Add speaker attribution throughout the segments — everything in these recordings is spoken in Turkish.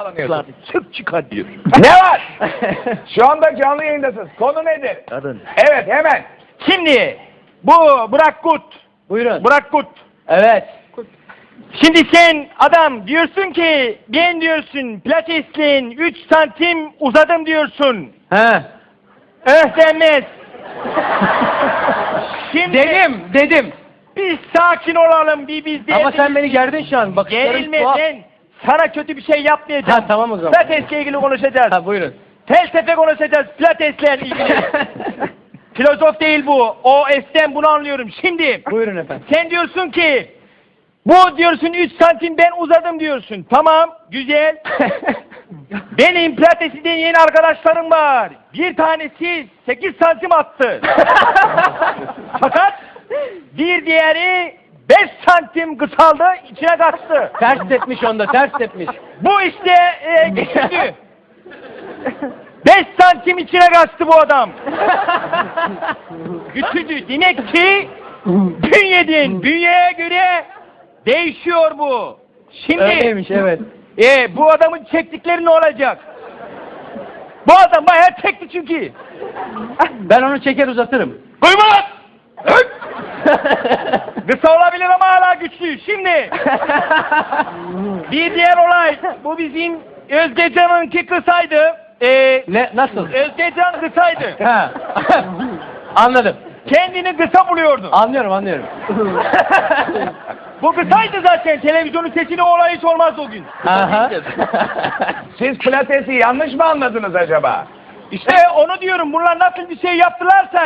Speaker 1: Çık çıkar diyor.
Speaker 2: Ne var? Şu anda canlı yayındasınız. Konu nedir?
Speaker 1: Kadın.
Speaker 2: Evet hemen.
Speaker 1: Şimdi bu Burak Kut.
Speaker 3: Buyurun.
Speaker 1: Burak Kut.
Speaker 3: Evet.
Speaker 1: Şimdi sen adam diyorsun ki ben diyorsun pilatesliğin 3 santim uzadım diyorsun.
Speaker 3: He.
Speaker 1: Denmez. Şimdi
Speaker 3: Dedim.
Speaker 1: biz sakin olalım bir biz de.
Speaker 3: Ama sen beni gerdin şu an. Bakışların
Speaker 1: Gerilme
Speaker 3: tuhaf.
Speaker 1: ben sana kötü bir şey yapmayacağım.
Speaker 3: Ha tamam o zaman.
Speaker 1: Pilatesle ilgili konuşacağız.
Speaker 3: Ha buyurun.
Speaker 1: Felsefe konuşacağız pilatesle ilgili. Filozof değil bu. O esten bunu anlıyorum. Şimdi
Speaker 3: Buyurun efendim.
Speaker 1: sen diyorsun ki bu diyorsun 3 santim ben uzadım diyorsun. Tamam güzel. Benim pilatesi deneyen arkadaşlarım var. Bir tanesi 8 santim attı. Fakat bir diğeri 5 santim kısaldı içine kaçtı.
Speaker 3: Ters tepmiş onda, ters tepmiş.
Speaker 1: Bu işte güçlü. 5 santim içine kaçtı bu adam. Güçlü. Demek ki bünyeye göre değişiyor bu. Şimdi
Speaker 3: Öyleymiş evet.
Speaker 1: bu adamın çektikleri ne olacak? Bu adam bayağı çekti çünkü.
Speaker 3: Ben onu çeker uzatırım.
Speaker 1: Duyma lan! Kısa olabilir ama hala güçlü. Şimdi bir diğer olay. Bu bizim Özgecan'ınki kısaydı.
Speaker 3: Ne? Nasıl?
Speaker 1: Özgecan kısaydı.
Speaker 3: Ha. Anladım.
Speaker 1: Kendini kısa buluyordu.
Speaker 3: Anlıyorum.
Speaker 1: Bu kısaydı zaten. Televizyonun sesini olay hiç olmaz o gün.
Speaker 3: Aha.
Speaker 2: Siz pilatesi yanlış mı anladınız acaba?
Speaker 1: İşte onu diyorum. Bunlar nasıl bir şey yaptılarsa.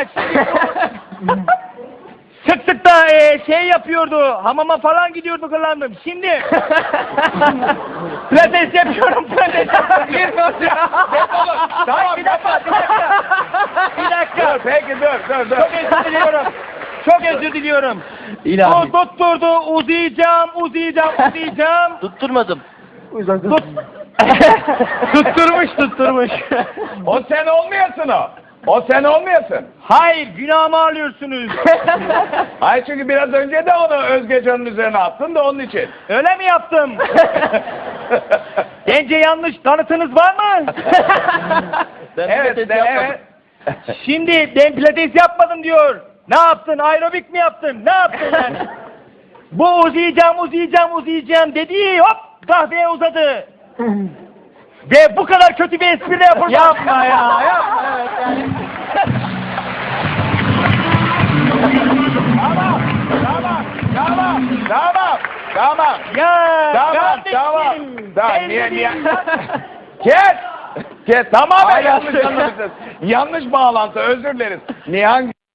Speaker 1: Sık sık da şey yapıyordu. Hamama falan gidiyordu kırlandım. Şimdi pilates yapıyorum. Tamam bir dakika. Bir dakika.
Speaker 2: Peki dur.
Speaker 1: Çok özür diliyorum. Çok özür diliyorum.
Speaker 3: İlahi.
Speaker 1: O tutturdu. Uzayacağım.
Speaker 3: Tutturmadım.
Speaker 1: Tutturmuş.
Speaker 2: O sen olmuyorsun o. O sen olmuyorsun.
Speaker 1: Hayır, günahımı alıyorsunuz.
Speaker 2: Hayır çünkü biraz önce de onu Özgecan'ın üzerine attın da onun için.
Speaker 1: Öyle mi yaptım? Bence yanlış kanıtınız var mı?
Speaker 2: Evet.
Speaker 1: Şimdi ben pilates yapmadım diyor. Ne yaptın? Aerobik mi yaptın? Ne yaptın yani? Bu uzayacağım dedi. Hop kahveye uzadı. Ve bu kadar kötü bir espri yapılmaz.
Speaker 3: Yapma ya. Evet yani.
Speaker 2: Tamam.
Speaker 1: Ya
Speaker 2: Tamam.
Speaker 1: kardeşim.
Speaker 2: Niye? Kes. Tamam
Speaker 3: Hala
Speaker 2: yanlış
Speaker 3: söyle.
Speaker 2: anlamışsınız. Yanlış bağlantı özür dileriz. Nihan